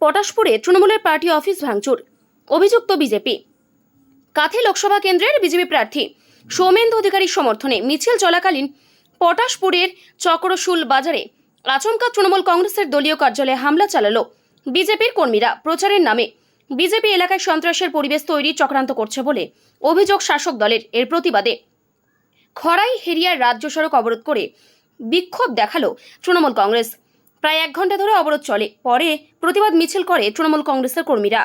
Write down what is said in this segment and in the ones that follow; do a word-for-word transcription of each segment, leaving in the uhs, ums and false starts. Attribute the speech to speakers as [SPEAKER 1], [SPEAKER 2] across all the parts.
[SPEAKER 1] পটাশপুরে তৃণমূলের party office ভাঙচুর, অভিযুক্ত বিজেপি। কাথি লোকসভা কেন্দ্রের বিজেপি প্রার্থী সৌমেন্দু অধিকারীর সমর্থনে মিছিল চলাকালীন পটাশপুরের চক্রশুল বাজারে আচমকা তৃণমূল কংগ্রেসের দলীয় কার্যালয়ে হামলা চালালো বিজেপির কর্মীরা। প্রচারের নামে বিজেপি এলাকায় সন্ত্রাসের পরিবেশ তৈরি চক্রান্ত করছে বলে অভিযোগ শাসক দলের। এর প্রতিবাদে খড়াই হেরিয়ার রাজ্য সড়ক অবরোধ করে বিক্ষোভ দেখালো তৃণমূল কংগ্রেস। প্রায় এক ঘন্টা ধরে অবরোধ চলে, পরে প্রতিবাদ মিছিল করে তৃণমূল কংগ্রেসের কর্মীরা।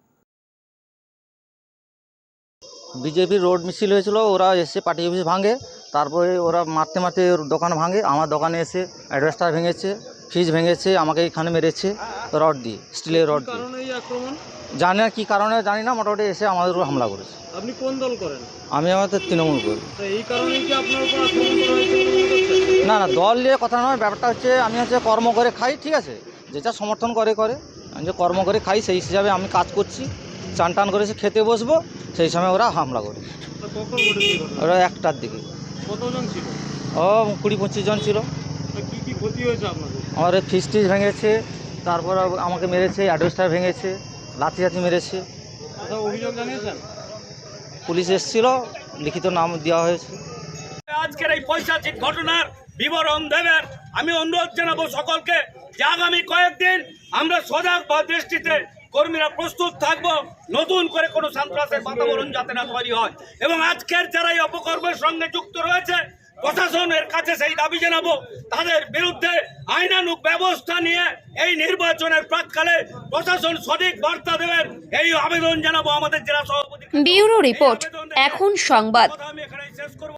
[SPEAKER 2] বিজেপির রোড মিছিল হয়েছিল, ওরা এসে পার্টি অফিস ভাঙে, তারপরে ওরা মারতে মারতে ওর দোকান ভাঙে, আমার দোকানে এসে অ্যাডভেস্টার ভেঙেছে, ফ্রিজ ভেঙেছে, আমাকে এখানে মেরেছে রড দিয়ে, স্টিলের রড দিয়ে। জানি না কী কারণে, জানি না, মোটামুটি এসে আমাদের উপর হামলা করেছে।
[SPEAKER 3] আপনি কোন দল করেন?
[SPEAKER 2] আমি আমাদের তৃণমূল করি।
[SPEAKER 3] এই কারণেই কি আপনার উপর আক্রমণ করা হয়েছে বলে মনে করছেন?
[SPEAKER 2] না না, দল নিয়ে কথা নয়, ব্যাপারটা হচ্ছে আমি হচ্ছে কর্ম করে খাই, ঠিক আছে, যেটা সমর্থন করে করে, আমি যে কর্ম করে খাই সেই হিসাবে আমি কাজ করছি, চান টান করেছে খেতে বসবো, সেই সময় ওরা হামলা করে।
[SPEAKER 3] কখন ঘটেছে?
[SPEAKER 2] ওরা একটার দিকে।
[SPEAKER 3] কতজন ছিল?
[SPEAKER 2] ও কুড়ি পঁচিশ জন ছিল।
[SPEAKER 3] কি কি ক্ষতি হয়েছে আপনাদের?
[SPEAKER 2] আমার ফ্রিজ টিজ ভেঙেছে, তারপর আমাকে মেরেছে, অ্যাডভেস্টার ভেঙেছে, লাঠি লাঠি মেরেছে।
[SPEAKER 3] কোথাও অভিযোগ জানিয়েছেন?
[SPEAKER 2] পুলিশ এসেছিল, লিখিত নাম দেওয়া হয়েছে।
[SPEAKER 4] আজকের এই পৈশাচিক ঘটনার বিবরণ দেবেন আমি অনুরোধ জানাবো সকলকে যে আগামী কয়েকদিন আমরা সজাগ বা দৃষ্টিতে কর্মীরা প্রস্তুত থাকবো, নতুন করে কোনো সন্ত্রাসের বাতাবরণ যাতে না তৈরি হয়। এবং আজকের যারা এই অপকর্মের সঙ্গে যুক্ত রয়েছে প্রশাসনের কাছে সেই দাবি জানাবো, তাদের বিরুদ্ধে আইনানুগ ব্যবস্থা নিয়ে এই নির্বাচনের প্রাককালে প্রশাসন সঠিক বার্তা দেবেন, এই আবেদন জানাবো আমাদের জেলা সভাপতি।
[SPEAKER 1] ব্যুরো রিপোর্ট, এখন সংবাদ।
[SPEAKER 4] আমি এখানে শেষ করব।